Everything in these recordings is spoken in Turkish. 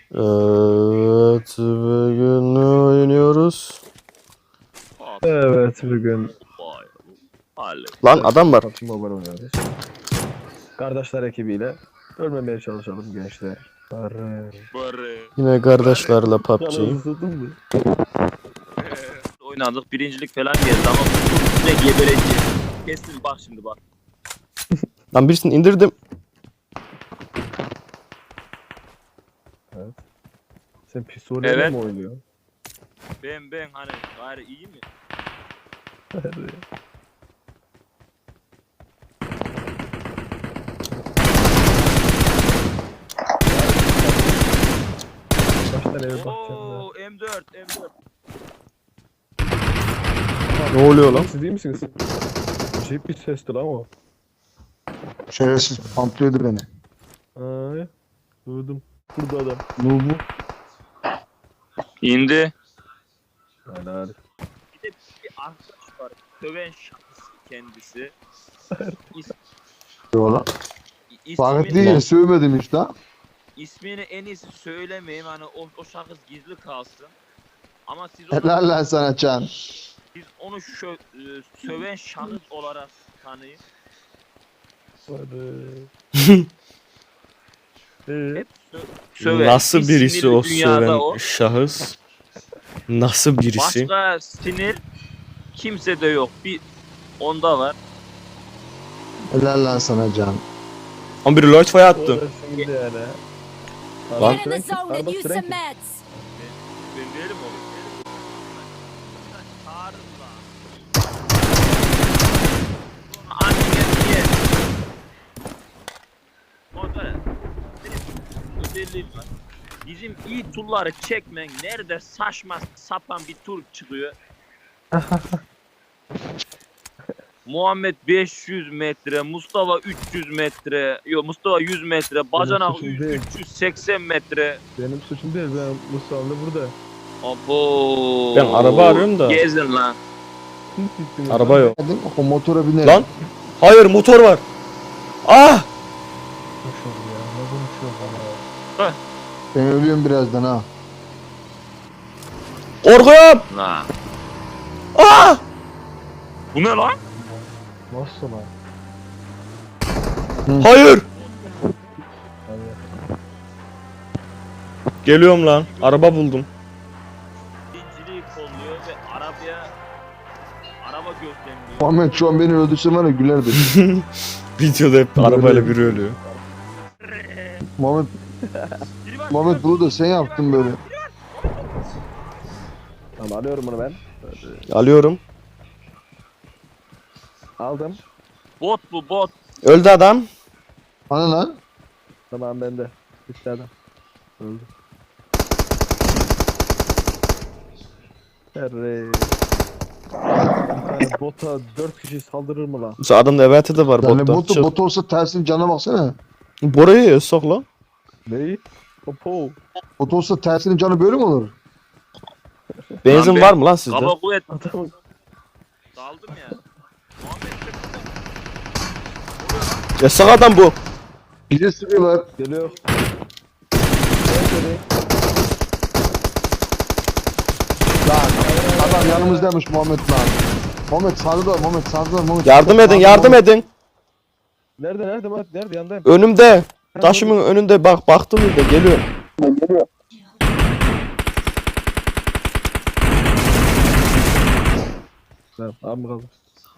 Evet, bugün ne oynuyoruz? Evet bugün Lan adam var. PUBG Mobile oynuyoruz. Kardeşler ekibiyle ölmemeye çalışalım gençler. Barı. Yine kardeşlerle PUBG. Canınızı sızdın mı? Oynadık, birincilik falan geldi ama bu ne gebereceğiz. Kesin bak şimdi bak. Lan birisini indirdim. Sen pistoleyle Evet. mi oynuyorsun? Ben hani gayri iyi mi? Baştan eve bakacağım Oo M4. Ne oluyor lan? Siz değil misiniz? Acayip bir sesti lan o. Şerefsiz pamplıyordu beni. Ay, duydum. Burada adam. Nubu. İndi. Helal. Bir de bir arkadaş var. Söven şahıs kendisi. İs, Yola. Fark ismini, değil, sövmedim işte. ismini en iyisi söylemeyeyim hani o şahıs gizli kalsın. Ama siz onu, Helal lan sana Can. siz onu söven şahıs olarak tanıyın. Barı. Hep söven. Nasıl Bir birisi sinirli o dünyada söven o. şahıs? Nasıl birisi? Başka sinir kimsede yok. Bir onda var. Helal lan sana Can. Ama biri Lloyd Fire attı. Orası şimdi yani. Lan. Get in the zone and use some meds. Ben değilim oğlum. Çağırın lan. Annene diye. Orada benim özelliğim var. Bizim iyi turları çekmen nerede saçma sapan bir tur çıkıyor. Muhammed 500 metre, Mustafa 300 metre, yok Mustafa 100 metre, Bacanak suçum değil. 380 metre. Benim suçum değil. Ben Musa'mda burada. Abo. Ben araba arıyorum da. Gezin lan. Araba yok. Dedim o motora binerim. Lan. Hayır, motor var. Ah! Konuşuyorum ya. Ne konuşuyorum bana? Ben ölüyorum birazdan ha. Korkuyorum. Lan. Ah! Bu ne lan? Nasıl lan? Hayır. Hadi. Geliyorum lan. Araba buldum. Birinciliği kolluyor ve araba gözlemliyor. Muhammed şu an beni öldürse var ya gülerdi. Videoda hep arabayla biri ölüyor. Muhammed, Muhammed bunu da sen yaptın böyle. Tamam alıyorum bunu ben. Alıyorum. Aldım. Bot bu bot. Öldü adam. Hani lan? Tamam bende. Bitti adam. Öldü. Herre. Yani bota 4 kişi saldırır mı lan? Mesela adamda eventi de var Yani botta. bot olsa tersin cana baksana. Bora'yı sok lan. Neyi? Popo. Bot olsa tersinin canı böyle mi olur? Benzin Lan var mı lan sizde? Kaba kuvvet Adamın daldım ya. Muhammed Yasak adam bu. Bize sıkıyorlar. geliyor. Lan adam yanımızdaymış Muhammed lan. Muhammed sağda var, Muhammed sağda var, Muhammed. Yardım edin, yardım edin. Nerede Murat? Nerede yandayım? Önümde. Taşımın önünde bak, baktım bir de geliyor. Tamam abi kaldı.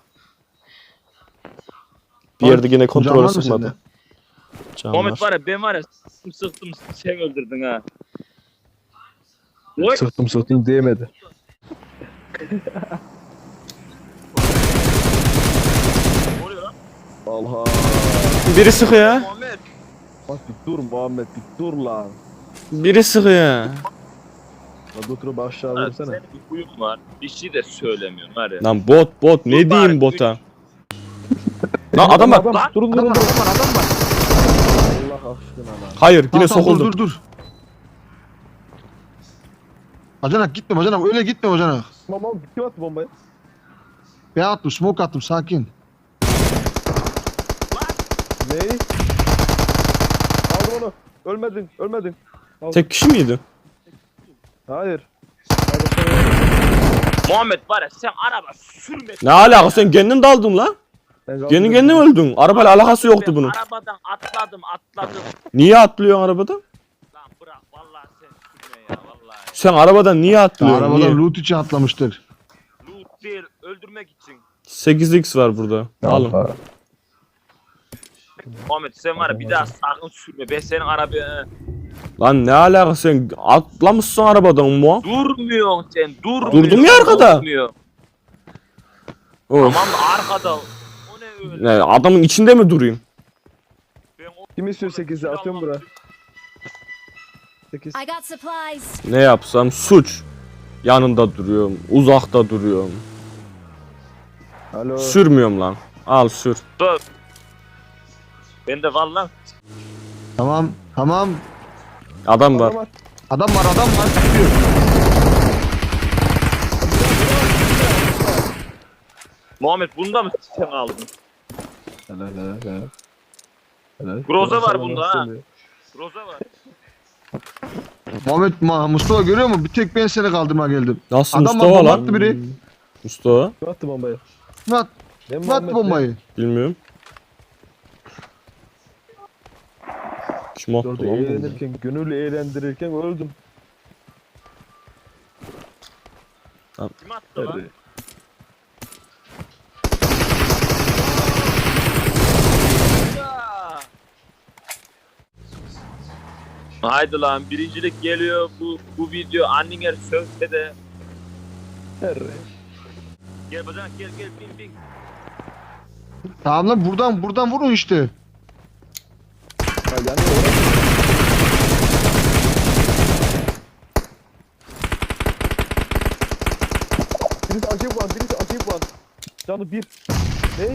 Bir yerde yine Can var kontrolü mı sıkmadı. sende? Can Muhammed var. var ya ben var ya sıktım sen öldürdün ha. Oy. Sırtım değmedi. Ne oluyor lan? Allah. Biri sıkıyor. Muhammed. Bak bir dur Muhammed bir dur lan. Biri sıkıyor. Lan götürüp aşağı Ha, vursana. senin bir huyun var. Bir şey de söylemiyorsun var ya. Lan bot ne Dur diyeyim bari, bota? Lan adam var. Lan. Durun. Adam var. Allah aşkına lan. Hayır yine Tamam, tamam, sokuldum. dur. Bacanak gitme bacanak öyle gitme bacanak. Tamam kim attı bombayı? Ben attım smoke attım sakin. Neyi? Aldım onu. Ölmedin. Tek kişi miydi? Hayır. Muhammed var ya sen araba sürme. Ne alaka sen kendin daldın lan. Kendin kendin öldün. Arabayla alakası yoktu bunun. Arabadan atladım. Niye atlıyorsun arabadan? Lan bırak vallahi sen sürme ya vallahi. Sen arabadan niye atlıyorsun? Arabadan Niye? loot için atlamıştır. Loot değil öldürmek için. 8x var burada. Alın. Muhammed sen var ya bir daha sakın sürme. Ben senin arabaya Lan ne alaka sen atlamışsın arabadan mu? durmuyorsun sen. Durdum ya arkada. Durmuyor. Of. Tamam da arkada. O ne öyle? Ne, adamın içinde mi durayım? Ben o- Kim istiyor 8'i atıyorum bura. 8. I got supplies. Ne yapsam suç. Yanında duruyorum. Uzakta duruyorum. Alo. Sürmüyorum lan. Al sür. Dur. Ben de vallahi Tamam. Tamam. Adam var. Adam var adam var. Gidiyor. Muhammed bunda mı sen aldın? Helal. Groza var bunda ha. Groza var. Mustafa görüyor musun? Bir tek ben seni kaldırmaya geldim. Nasıl Adam Mustafa bomba lan? attı biri. Mustafa? Kim attı bombayı? Kim at- Ben kim attı bombayı? Bilmiyorum. Kim attı Orada lan bunu? eğlenirken, gönül eğlendirirken öldüm. Kim attı lan? Ya. Haydi lan birincilik geliyor bu video Anninger sözde de gel bacanak gel bin Tamam lan buradan vurun işte. Yani birisi acayip puan. Canı 1. Ne?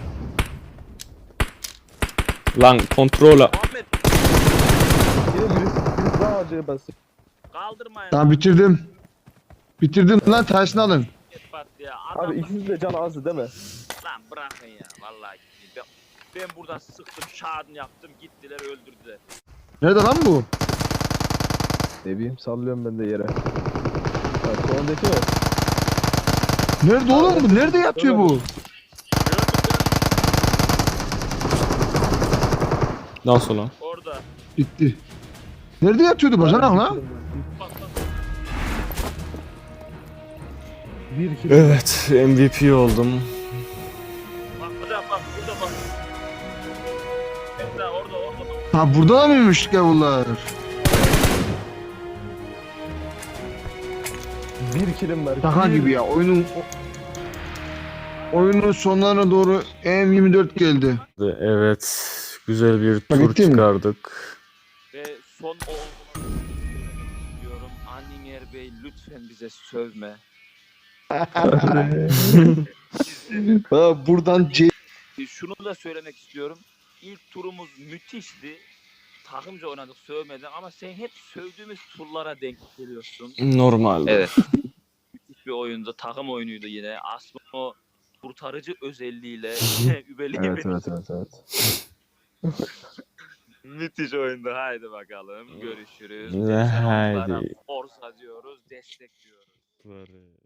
Lan kontrola. Muhammed Yine birisi daha acayip bastı. kaldırmayın Tamam bitirdim. Bitirdim lan tersini alın. Git bak ya adam Abi ikisi de canı azdı değil mi? lan bırakın ya vallahi ben buradan sıktım şahını yaptım gittiler öldürdüler. Nerede lan bu? Ne bileyim sallıyorum ben de yere. Bak sondaki mi? Nerede oğlum bu? Nerede yatıyor bu? Nasıl lan? Orada. Bitti. Nerede yatıyordu bacanak lan? Bak. Bir kilo. Evet MVP oldum. Bak burada bak burada bak. Mesela orada bak. Ha burada da mıymış gavullar? 1 kilim var. Şaka gibi ya oyunun sonlarına doğru M24 geldi. Evet. Güzel bir tur Bitti mi? çıkardık. Ve son olmak diyorum. Anninger Bey lütfen bize sövme. Ha, buradan Şunu da söylemek istiyorum. İlk turumuz müthişti. Takımca oynadık sövmeden ama sen hep sövdüğümüz turlara denk geliyorsun. Normal. Evet. Müthiş bir oyundu. Takım oyunuydu yine. Aslında o kurtarıcı özelliğiyle übeleyim. Evet. Müthiş oyundu. Haydi bakalım. Görüşürüz. Haydi. Forza diyoruz. Destek diyoruz.